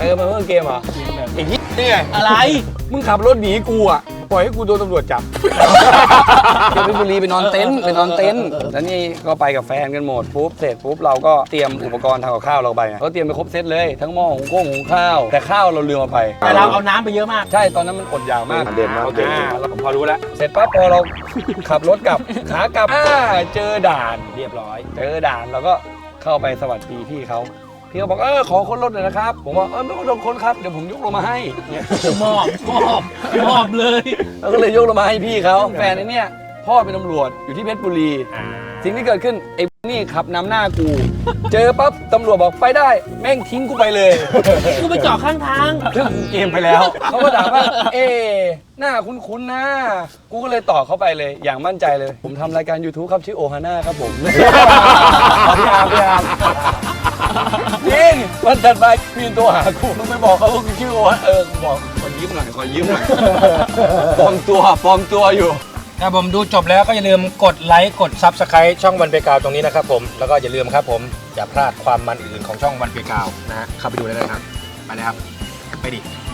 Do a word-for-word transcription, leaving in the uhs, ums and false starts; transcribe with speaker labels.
Speaker 1: ติมมาเพิ่มเกมเหรอไอ้ที่นี่ไง
Speaker 2: อะไร
Speaker 1: มึงขับรถหนีกูอ่ะปล่อยให้กูโดนตำรวจจับเที่ยวเพชรบุรีไปนอนเต็นท์ไปนอนเต็นท์แล้วนี่ก็ไปกับแฟนกันหมดปุ๊บเสร็จปุ๊บเราก็เตรียมอุปกรณ์ทำกับข้าวเราไปเขาเตรียมไปครบเซตเลยทั้งหม้อหุงข้าวหุงข้าวแต่ข้าวเราลืมมาไป
Speaker 2: แต่เราเอาน้ำไปเยอะมาก
Speaker 1: ใช่ตอนนั้นมันอดอยากมาก
Speaker 3: เด่นมาก
Speaker 1: โอเคเราพอรู้แล้วเสร็จปั๊บพอเราขับรถกลับขากลับเจอด่านเรียบร้อยเจอด่านเราก็เข้าไปสวัสดีพี่เขาพี่เขาบอกเออขอค้นรถหน่อยนะครับผมบอกเออไม่ต้องค้นครับเดี๋ยวผมยกลงมาให้
Speaker 2: มอบมอบมอบเลย
Speaker 1: แล้วก็เลยยกลงมาให้พี่เขาแฟนไอ้เนี่ยพ่อเป็นตำรวจอยู่ที่เพชรบุรีสิ่งที่เกิดขึ้นไอ้นี่ขับนำหน้ากูเจอปั๊บตำรวจบอกไปได้แม่งทิ้งกูไปเลย
Speaker 2: กูไปจอดข้างทาง
Speaker 1: เรื่องเกมไปแล้วเขาก็ถามว่าเอ๊หน้าคุ้นๆนะกูก็เลยต่อเข้าไปเลยอย่างมั่นใจเลยผมทำรายการ YouTube ครับชื่อโอฮาน่าครับผมพี่อาร์พี่อาร์จริงวันถัดไปพี่ตัวหากูต้องไปบอกเขาว่ากูชื่อโอฮาเออบอกขอยิ้มหน่อยขอยิ้มหน่อยปลอมตัวปลอมตัวอยู่
Speaker 2: ครับผมดูจบแล้วก็อย่าลืมกดไลค์กด ซับสไครบ์ ช่องวันเพกาวตรงนี้นะครับผมแล้วก็อย่าลืมครับผมอย่าพลาดความมันอื่นของช่องวันเพกาวนะฮะเข้าไปดูได้เลยครับไปเลยครับไปดิ